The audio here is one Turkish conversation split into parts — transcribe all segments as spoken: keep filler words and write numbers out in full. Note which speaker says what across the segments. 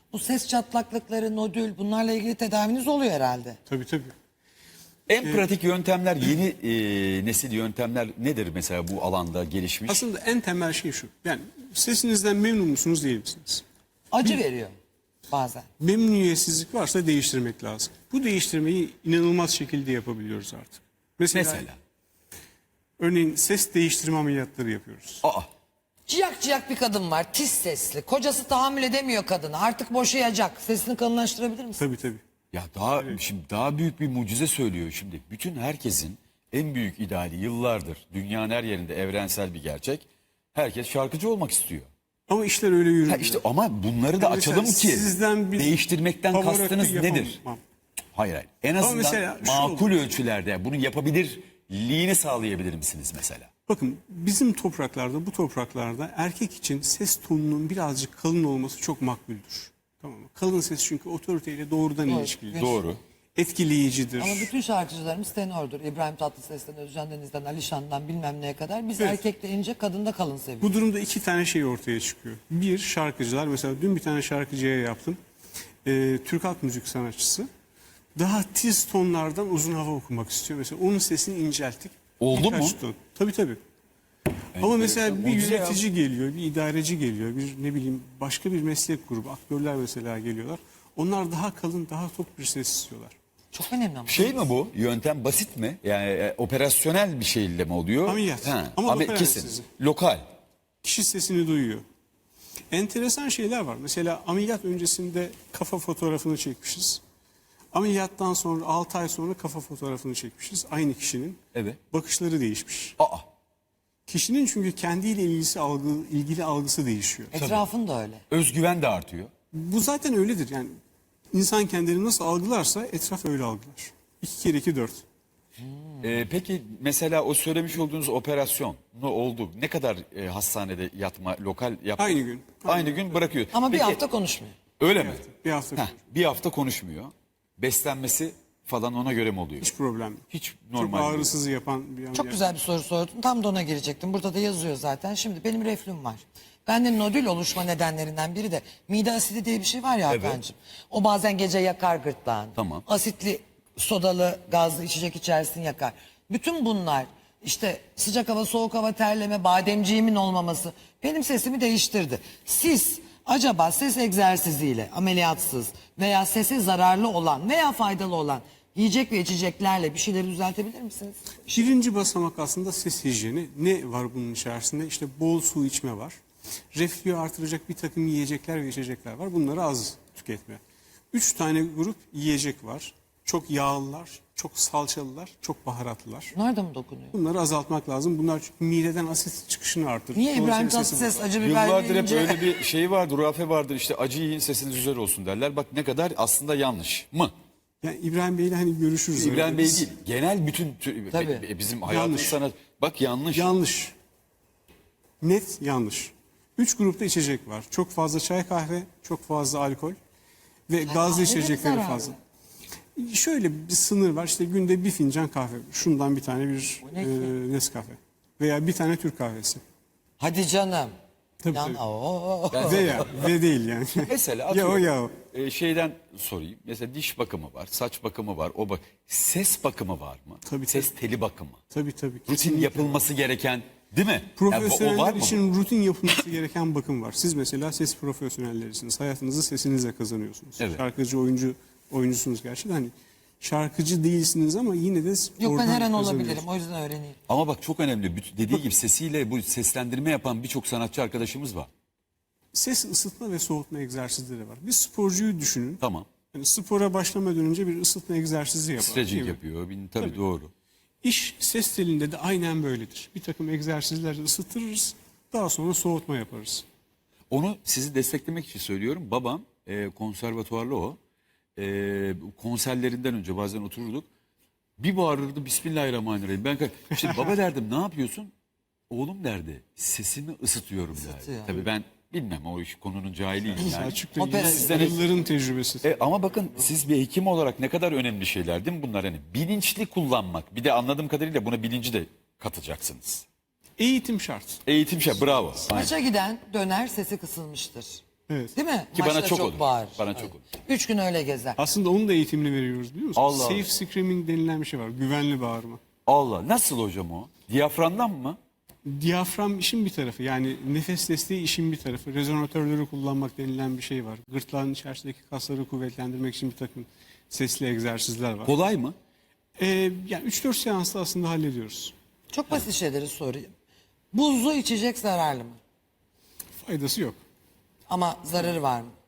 Speaker 1: Bu ses çatlaklıkları, nodül, bunlarla ilgili tedaviniz oluyor herhalde.
Speaker 2: Tabii tabii.
Speaker 3: En pratik yöntemler, yeni e, nesil yöntemler nedir mesela bu alanda gelişmiş?
Speaker 2: Aslında en temel şey şu. Yani sesinizden memnun musunuz değil misiniz?
Speaker 1: Acı veriyor bazen.
Speaker 2: Memnuniyetsizlik varsa değiştirmek lazım. Bu değiştirmeyi inanılmaz şekilde yapabiliyoruz artık. Mesela,
Speaker 3: Mesela.
Speaker 2: örneğin ses değiştirme ameliyatları yapıyoruz.
Speaker 3: Aa,
Speaker 1: Ciyak ciyak bir kadın var, tiz sesli. Kocası tahammül edemiyor kadını. Artık boşayacak. Sesini kalınlaştırabilir misin?
Speaker 2: Tabii tabii.
Speaker 3: ya daha şimdi daha büyük bir mucize söylüyor şimdi. Bütün herkesin en büyük ideali yıllardır dünyanın her yerinde evrensel bir gerçek. Herkes şarkıcı olmak istiyor.
Speaker 2: Ama işler öyle yürümüyor.
Speaker 3: Ha işte ama bunları da
Speaker 2: Yani mesela
Speaker 3: açalım ki
Speaker 2: sizden bir
Speaker 3: değiştirmekten
Speaker 2: Pavarotti
Speaker 3: kastınız
Speaker 2: yapamam.
Speaker 3: nedir? Hayır hayır. En azından
Speaker 2: mesela şu
Speaker 3: makul
Speaker 2: olur.
Speaker 3: ölçülerde bunu yapabilirliğini sağlayabilir misiniz mesela?
Speaker 2: Bakın bizim topraklarda, bu topraklarda erkek için ses tonunun birazcık kalın olması çok makbuldür. Tamam mı? Kalın ses çünkü otoriteyle doğrudan
Speaker 1: Doğru.
Speaker 2: ilişkilidir.
Speaker 3: Doğru.
Speaker 2: Etkileyicidir.
Speaker 1: Ama bütün şarkıcılarımız tenordur. İbrahim Tatlıses'ten, Özcan Deniz'den, Alişan'dan bilmem neye kadar. Biz
Speaker 2: Evet.
Speaker 1: erkekte ince, kadında kalın seviyoruz.
Speaker 2: Bu durumda iki tane şey ortaya çıkıyor. Bir, şarkıcılar. Mesela dün bir tane şarkıcıya yaptım. Ee, Türk halk müzik sanatçısı. Daha tiz tonlardan uzun hava okumak istiyor. Mesela onun sesini incelttik.
Speaker 3: Oldu
Speaker 2: Birkaç
Speaker 3: mu?
Speaker 2: ton. Tabii tabii. Ama mesela bir
Speaker 3: Mucize ya.
Speaker 2: yönetici geliyor, bir idareci geliyor, bir ne bileyim başka bir meslek grubu, aktörler mesela geliyorlar. Onlar daha kalın, daha tok bir ses istiyorlar.
Speaker 1: Çok önemli ama.
Speaker 3: Şey mi bu? Yöntem basit mi? Yani e, operasyonel bir şeyle mi oluyor?
Speaker 2: Ameliyat.
Speaker 3: Ha,
Speaker 2: Ama
Speaker 3: ame-
Speaker 2: lokal
Speaker 3: kesin.
Speaker 2: anestezi.
Speaker 3: Lokal.
Speaker 2: Kişi sesini duyuyor. Enteresan şeyler var. Mesela ameliyat öncesinde kafa fotoğrafını çekmişiz. Ameliyattan sonra altı ay sonra kafa fotoğrafını çekmişiz. Aynı kişinin.
Speaker 3: Evet.
Speaker 2: Bakışları değişmiş.
Speaker 3: Aa.
Speaker 2: Kişinin çünkü kendiyle ilgisi algı, ilgili algısı değişiyor.
Speaker 1: Etrafın da öyle.
Speaker 3: Özgüven de artıyor.
Speaker 2: Bu zaten öyledir. Yani insan kendini nasıl algılarsa etraf öyle algılar. İki kere iki dört.
Speaker 3: Ee, peki mesela o söylemiş olduğunuz operasyon ne oldu? Ne kadar e, hastanede yatma, lokal yapma?
Speaker 2: Aynı gün.
Speaker 3: Aynı, gün bırakıyor.
Speaker 1: Ama bir
Speaker 3: Peki,
Speaker 1: hafta konuşmuyor.
Speaker 3: Öyle mi?
Speaker 2: Bir hafta
Speaker 3: Heh, bir hafta konuşmuyor. Beslenmesi falan ona göre mi oluyor?
Speaker 2: hiç problem yok.
Speaker 3: Hiç
Speaker 2: Çok
Speaker 3: normal. değil.
Speaker 2: ağrısız yapan bir ameliyat.
Speaker 1: Çok güzel bir soru sordun. Tam da ona girecektim. Burada da yazıyor zaten. Şimdi benim reflüm var. Bende nodül oluşma nedenlerinden biri de mide asidi diye bir şey var ya
Speaker 3: Evet.
Speaker 1: Hakan'cığım. O bazen gece yakar gırtlağını.
Speaker 3: Tamam.
Speaker 1: Asitli, sodalı, gazlı içecek içersin yakar. Bütün bunlar işte sıcak hava, soğuk hava, terleme, bademciğimin olmaması benim sesimi değiştirdi. Siz acaba ses egzersiziyle, ameliyatsız veya sese zararlı olan veya faydalı olan yiyecek ve içeceklerle bir şeyleri düzeltebilir misiniz?
Speaker 2: Birinci basamak aslında ses hijyeni. Ne var bunun içerisinde? İşte bol su içme var. Reflüyü artıracak bir takım yiyecekler ve içecekler var. Bunları az tüketme. Üç tane grup yiyecek var. Çok yağlılar, çok salçalılar, çok baharatlılar.
Speaker 1: Bunlar da mı dokunuyor?
Speaker 2: Bunları azaltmak lazım. Bunlar çünkü mideden asit çıkışını artırır.
Speaker 1: Niye İbrahim
Speaker 2: Dolayısıyla sesi
Speaker 1: Tatlıses
Speaker 2: bozar.
Speaker 1: acı biber
Speaker 3: Yıllardır hep
Speaker 1: yiyince...
Speaker 3: öyle bir şey vardır, hurafe vardır. İşte acı yiyin sesiniz güzel olsun derler. Bak ne kadar aslında yanlış mı?
Speaker 2: Yani İbrahim Bey'le hani görüşürüz.
Speaker 3: İbrahim
Speaker 2: öyle.
Speaker 3: Bey
Speaker 2: Biz-
Speaker 3: değil. Genel bütün tü-
Speaker 1: Tabii.
Speaker 3: be- bizim hayatın
Speaker 2: Yanlış.
Speaker 3: sanat. Bak yanlış.
Speaker 2: Yanlış. Net yanlış. Üç grupta içecek var. Çok fazla çay kahve, çok fazla alkol ve gazlı
Speaker 1: kahve de
Speaker 2: içecekleri
Speaker 1: zararlı.
Speaker 2: fazla. Şöyle bir sınır var. İşte günde bir fincan kahve. Şundan bir tane bir
Speaker 1: ne
Speaker 2: e,
Speaker 1: ki?
Speaker 2: Nescafe. Veya bir tane Türk kahvesi.
Speaker 1: Hadi canım.
Speaker 2: Tabii,
Speaker 1: Yan,
Speaker 2: tabii.
Speaker 1: Oo.
Speaker 2: Veya ve değil yani.
Speaker 3: Mesela
Speaker 2: ya o
Speaker 3: atıyorum,
Speaker 2: ya o.
Speaker 3: e, şeyden sorayım. Mesela diş bakımı var, saç bakımı var, o bak. Ses bakımı var mı?
Speaker 2: Tabii,
Speaker 3: Ses teli bakımı.
Speaker 2: Tabii tabii.
Speaker 3: Rutin
Speaker 2: kesinlikle.
Speaker 3: yapılması gereken, değil mi? Yani bu- o
Speaker 2: Profesyoneller
Speaker 3: var mı?
Speaker 2: için rutin yapılması gereken bakım var. Siz mesela ses profesyonellerisiniz. Hayatınızı sesinizle kazanıyorsunuz.
Speaker 3: Evet.
Speaker 2: Şarkıcı, oyuncu, oyuncusunuz gerçi de hani şarkıcı değilsiniz ama yine de
Speaker 1: Yok ben
Speaker 2: oradan
Speaker 1: her an
Speaker 2: kazanıyorsunuz.
Speaker 1: olabilirim. O yüzden öğreneyim.
Speaker 3: Ama bak çok önemli. Büt- Dediği gibi sesiyle bu seslendirme yapan birçok sanatçı arkadaşımız var.
Speaker 2: Ses ısıtma ve soğutma egzersizleri var. Bir sporcuyu düşünün.
Speaker 3: Tamam.
Speaker 2: Yani spora başlamadan önce bir ısıtma egzersizi yapar. değil
Speaker 3: Stretching
Speaker 2: mi?
Speaker 3: yapıyor. Bin- Tabii,
Speaker 2: Tabii.
Speaker 3: doğru.
Speaker 2: İş ses telinde de aynen böyledir. Bir takım egzersizlerle ısıtırız. Daha sonra soğutma yaparız.
Speaker 3: Onu sizi desteklemek için söylüyorum. Babam e, konservatuvarlı o. E, konserlerinden önce bazen otururduk. Bir bağırırdı Bismillahirrahmanirrahim. Ben ka- işte baba derdim ne yapıyorsun? Oğlum derdi sesimi ısıtıyorum derdi.
Speaker 1: Isıtıyor.
Speaker 3: Tabii ben bilmem o iş konunun cahiliyim yani.
Speaker 2: Selçuk'la
Speaker 1: Opera-
Speaker 2: ilgili
Speaker 3: Sizden-
Speaker 2: yılların tecrübesi.
Speaker 3: E, ama bakın siz bir hekim olarak ne kadar önemli şeyler değil mi bunlar? Hani bilinçli kullanmak. Bir de anladığım kadarıyla buna bilinci de katacaksınız.
Speaker 2: Eğitim şart.
Speaker 3: Eğitim şey bravo. Aynen.
Speaker 1: Maça giden döner sesi kısılmıştır.
Speaker 2: Evet.
Speaker 1: Değil mi?
Speaker 3: Ki bana
Speaker 1: Maçta
Speaker 3: çok olur.
Speaker 1: bağırır.
Speaker 3: Bana çok olur.
Speaker 1: Üç gün öyle gezer.
Speaker 2: Aslında onun da eğitimini veriyoruz biliyor musun?
Speaker 3: Allah
Speaker 2: Safe
Speaker 3: Allah.
Speaker 2: screaming denilen bir şey var. Güvenli bağırma.
Speaker 3: Allah, nasıl hocam o? Diyaframdan mı?
Speaker 2: Diyafram işin bir tarafı, yani nefes desteği işin bir tarafı. Rezonatörleri kullanmak denilen bir şey var. Gırtlağın içerisindeki kasları kuvvetlendirmek için bir takım sesli egzersizler var.
Speaker 3: Kolay mı?
Speaker 2: Ee, yani üç dört seansta aslında hallediyoruz.
Speaker 1: Çok basit şeyleri sorayım. Buzlu içecek zararlı mı?
Speaker 2: Faydası yok.
Speaker 1: Ama zararı var mı?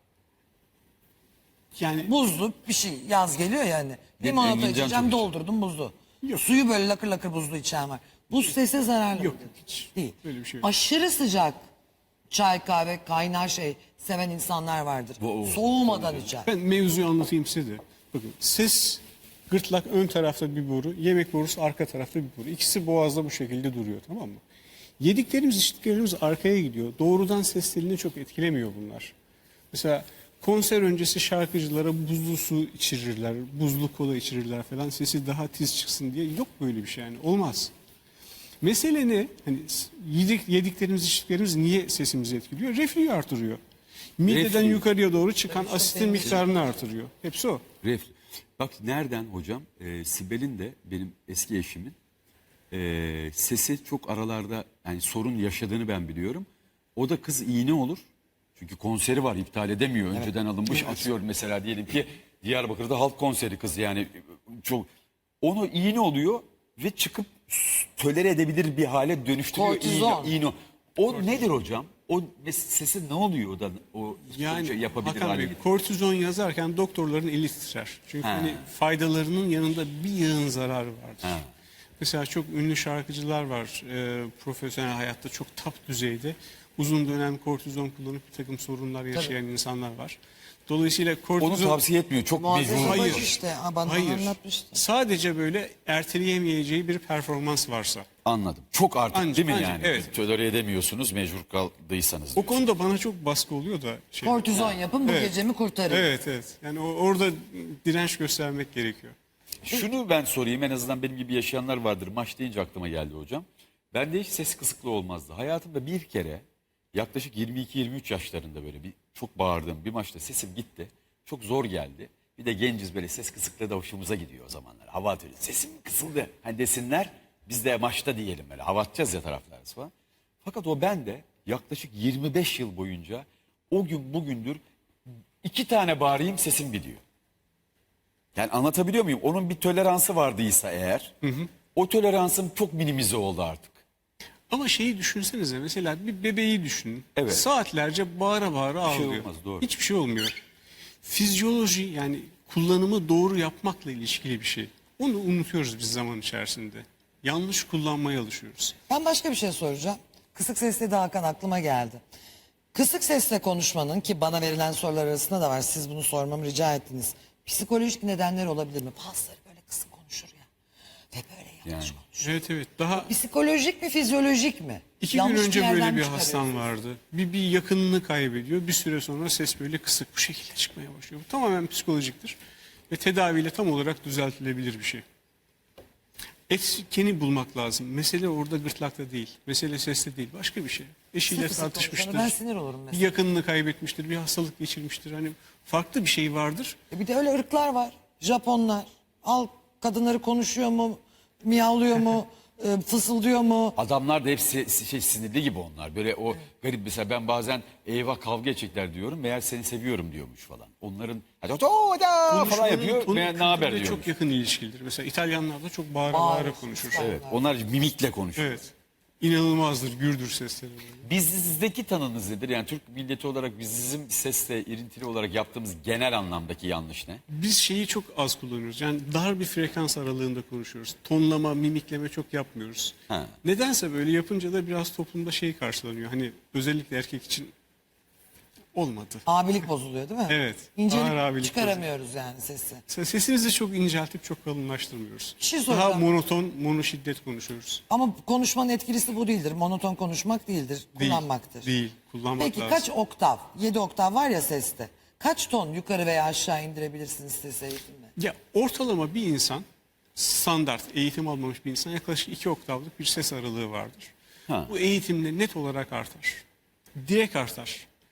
Speaker 2: Yani
Speaker 1: Buzlu bir şey, yaz geliyor yani. Limonata
Speaker 3: Engincan
Speaker 1: içeceğim,
Speaker 3: çok
Speaker 1: doldurdum buzlu.
Speaker 2: Yok.
Speaker 1: Suyu böyle lakır lakır buzlu içen var. Buz sese zararlı
Speaker 2: Yok,
Speaker 1: mı?
Speaker 2: yok, hiç.
Speaker 1: Değil.
Speaker 2: Öyle bir şey yok.
Speaker 1: Aşırı sıcak çay, kahve, kaynar şey seven insanlar vardır.
Speaker 3: Bu-
Speaker 1: Soğumadan içer.
Speaker 2: ben mevzuyu anlatayım size de. Bakın, ses, gırtlak ön tarafta bir boru, yemek borusu arka tarafta bir boru. İkisi boğazda bu şekilde duruyor, tamam mı? Yediklerimiz, içtiklerimiz arkaya gidiyor. Doğrudan ses telini çok etkilemiyor bunlar. Mesela konser öncesi şarkıcılara buzlu su içirirler, buzlu kola içirirler falan, sesi daha tiz çıksın diye. Yok böyle bir şey yani, olmaz. Mesele ne? Hani yedik, yediklerimiz, içtiklerimiz niye sesimizi etkiliyor? Reflüyü artırıyor. Mideden
Speaker 3: Reflü.
Speaker 2: yukarıya doğru çıkan asitin miktarını artırıyor. Hepsi o.
Speaker 3: Ref. Bak nereden hocam? Ee, Sibel'in de benim eski eşimin ee, sesi çok aralarda yani sorun yaşadığını ben biliyorum. O da kız iğne olur. Çünkü konseri var, iptal edemiyor. Önceden alınmış atıyor mesela, diyelim ki Diyarbakır'da halk konseri kız yani çok, onu iğne oluyor ve çıkıp tölere edebilir bir hale dönüştürüyor.
Speaker 1: Kortizon.
Speaker 3: İğne, iğne. O nedir hocam? O mes- sesi ne oluyor da o
Speaker 2: Yani
Speaker 3: şey yapabilir
Speaker 2: Hakan
Speaker 3: hale
Speaker 2: Bey,
Speaker 3: getiriyor?
Speaker 2: kortizon yazarken doktorların eli titrer. Çünkü
Speaker 3: Ha.
Speaker 2: hani faydalarının yanında bir yığın zararı vardır.
Speaker 3: Ha.
Speaker 2: Mesela çok ünlü şarkıcılar var, e, profesyonel hayatta çok top düzeyde uzun dönem kortizon kullanıp bir takım sorunlar yaşayan insanlar var. Dolayısıyla
Speaker 3: Onu
Speaker 2: kortizon...
Speaker 3: tavsiye etmiyor. Çok
Speaker 1: Muazzez
Speaker 3: mecbur.
Speaker 1: Hayır.
Speaker 2: Hayır.
Speaker 1: işte, ha, bana
Speaker 2: Hayır.
Speaker 1: anlatmıştı.
Speaker 2: Sadece böyle erteleyemeyeceği bir performans varsa.
Speaker 3: Anladım. Çok artık
Speaker 2: Ancak-
Speaker 3: değil mi
Speaker 2: ancak,
Speaker 3: yani?
Speaker 2: evet.
Speaker 3: Tolere edemiyorsunuz mecbur kaldıysanız.
Speaker 2: O konuda bana çok baskı oluyor da. Şey,
Speaker 1: Kortizon yapın bu
Speaker 2: Evet.
Speaker 1: gecemi kurtarın.
Speaker 2: Evet evet. Yani o- orada direnç göstermek gerekiyor.
Speaker 3: Şunu ben sorayım, en azından benim gibi yaşayanlar vardır. Maç deyince aklıma geldi hocam. Bende hiç ses kısıklığı olmazdı. Hayatımda bir kere yaklaşık yirmi iki yirmi üç yaşlarında böyle bir çok bağırdığım bir maçta sesim gitti. Çok zor geldi. Bir de genciz, böyle ses kısıklığı da hoşumuza gidiyor o zamanlar. Hava atıyor. Sesim kısıldı. Hani desinler, biz de maçta diyelim böyle. Hava atacağız ya taraftarız falan. Fakat o bende yaklaşık yirmi beş yıl boyunca o gün bugündür iki tane bağırayım sesim gidiyor. Yani anlatabiliyor muyum? Onun bir toleransı vardıysa eğer, o toleransım çok minimize oldu artık.
Speaker 2: Ama şeyi düşünsenize, mesela bir bebeği düşünün.
Speaker 3: Evet.
Speaker 2: Saatlerce bağıra bağıra
Speaker 3: şey
Speaker 2: ağlıyor.
Speaker 3: olmaz, doğru.
Speaker 2: Hiçbir şey olmuyor. Fizyoloji, yani kullanımı doğru yapmakla ilişkili bir şey. Onu unutuyoruz biz zaman içerisinde. Yanlış kullanmaya alışıyoruz.
Speaker 1: Ben başka bir şey soracağım. Kısık sesle de Hakan aklıma geldi. Kısık sesle konuşmanın, ki bana verilen sorular arasında da var. Siz bunu sormamı rica ettiniz. Psikolojik nedenler olabilir mi? Bazıları böyle kısık konuşur ya. Ve böyle yanlış
Speaker 3: Yani.
Speaker 1: konuşur.
Speaker 2: Evet evet. Daha
Speaker 1: Psikolojik mi, fizyolojik mi?
Speaker 2: iki
Speaker 1: Yanlış
Speaker 2: gün önce
Speaker 1: yerden
Speaker 2: böyle bir
Speaker 1: mi
Speaker 2: hastam
Speaker 1: çıkarıyorsunuz?
Speaker 2: vardı. Bir, bir yakınını kaybediyor. Bir süre sonra ses böyle kısık bu şekilde çıkmaya başlıyor. Bu tamamen psikolojiktir. Ve tedaviyle tam olarak düzeltilebilir bir şey. Etkeni bulmak lazım. Mesele orada gırtlakta değil. Mesele seste değil. Başka bir şey. Eşiyle
Speaker 1: Fısır fısır
Speaker 2: tartışmıştır.
Speaker 1: konuşanı ben sinir olurum
Speaker 2: Bir
Speaker 1: mesela.
Speaker 2: yakınını kaybetmiştir. Bir hastalık geçirmiştir. Hani farklı bir şey vardır.
Speaker 1: E bir de öyle ırklar var. Japonlar. Al, kadınları konuşuyor mu, miyavlıyor mu, e, fısıldıyor mu?
Speaker 3: Adamlar da hepsi şey sinirli gibi onlar. Böyle o garip, mesela ben bazen eyvah kavga edecekler diyorum. Meğer seni seviyorum diyormuş falan. Onların hadi oto da falan
Speaker 2: Konuşmanın
Speaker 3: yapıyor.
Speaker 2: tonu
Speaker 3: Meğer ne haber
Speaker 2: kültürle
Speaker 3: diyormuş.
Speaker 2: çok yakın ilişkilidir. Mesela İtalyanlar da çok bağıra
Speaker 1: Bağırır,
Speaker 2: bağıra konuşur.
Speaker 1: susar.
Speaker 3: Evet, onlar mimikle konuşuyor.
Speaker 2: Evet. İnanılmazdır gürdür sesleri.
Speaker 3: Bizdeki tanınız nedir? Yani Türk milleti olarak bizim sesle irintili olarak yaptığımız genel anlamdaki yanlış ne?
Speaker 2: Biz şeyi çok az kullanıyoruz. Yani dar bir frekans aralığında konuşuyoruz. Tonlama, mimikleme çok yapmıyoruz.
Speaker 3: Ha.
Speaker 2: Nedense böyle yapınca da biraz toplumda şey karşılanıyor. Hani özellikle erkek için olmadı.
Speaker 1: Abilik bozuluyor değil mi?
Speaker 2: Evet,
Speaker 1: İncelik
Speaker 2: ağır abilik
Speaker 1: çıkaramıyoruz yani sesi.
Speaker 2: Se- Sesimizi çok inceltip çok kalınlaştırmıyoruz.
Speaker 1: Bir şey
Speaker 2: Daha
Speaker 1: soracağım.
Speaker 2: monoton, monoşiddet konuşuyoruz.
Speaker 1: Ama konuşmanın etkilisi bu değildir. Monoton konuşmak değildir.
Speaker 2: Değil,
Speaker 1: Kullanmaktır.
Speaker 2: değil. Kullanmak
Speaker 1: Peki
Speaker 2: lazım.
Speaker 1: kaç oktav? Yedi oktav var ya seste. Kaç ton yukarı veya aşağı indirebilirsiniz ses eğitimle?
Speaker 2: Ya ortalama bir insan, standart eğitim almamış bir insan yaklaşık iki oktavlık bir ses aralığı vardır.
Speaker 3: Ha.
Speaker 2: Bu eğitimle net olarak artar. Direkt artar.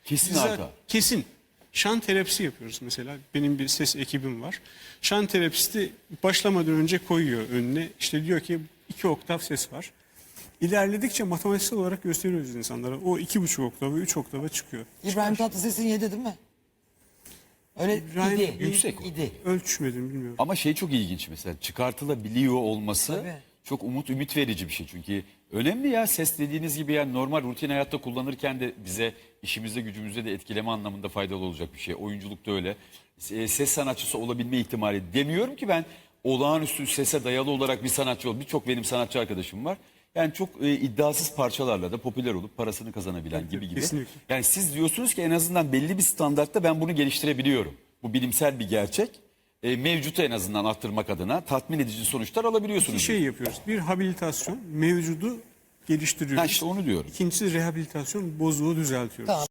Speaker 3: Kesin
Speaker 2: Biz
Speaker 3: arka.
Speaker 2: Kesin. Şan terapisi yapıyoruz mesela. Benim bir ses ekibim var. Şan terapisti başlamadan önce koyuyor önüne. İşte diyor ki iki oktav ses var. İlerledikçe matematiksel olarak gösteriyoruz insanlara. O iki buçuk oktava, üç oktava çıkıyor.
Speaker 1: İbrahim Tatlıses'in yedi değil mi? Öyle
Speaker 2: İbrahim
Speaker 1: idi.
Speaker 3: yüksek o.
Speaker 1: idi.
Speaker 2: Ölçmedim, bilmiyorum.
Speaker 3: Ama şey çok ilginç mesela çıkartılabiliyor olması
Speaker 1: Tabii.
Speaker 3: çok umut ümit verici bir şey. Çünkü önemli ya ses dediğiniz gibi yani normal rutin hayatta kullanırken de bize işimizde gücümüzde de etkileme anlamında faydalı olacak bir şey. Oyunculukta öyle. E, Ses sanatçısı olabilme ihtimali demiyorum ki ben olağanüstü sese dayalı olarak bir sanatçı ol. Birçok benim sanatçı arkadaşım var. Yani çok e, iddiasız parçalarla da popüler olup parasını kazanabilen gibi gibi.
Speaker 2: kesinlikle.
Speaker 3: Yani siz diyorsunuz ki en azından belli bir standartta ben bunu geliştirebiliyorum. Bu bilimsel bir gerçek. E, mevcutu en azından arttırmak adına tatmin edici sonuçlar alabiliyorsunuz.
Speaker 2: İki şey yapıyoruz. Bir, habilitasyon, mevcudu geliştiriyoruz.
Speaker 3: Ha işte onu diyorum.
Speaker 2: İkincisi rehabilitasyon, bozuğu düzeltiyoruz.
Speaker 1: Tamam.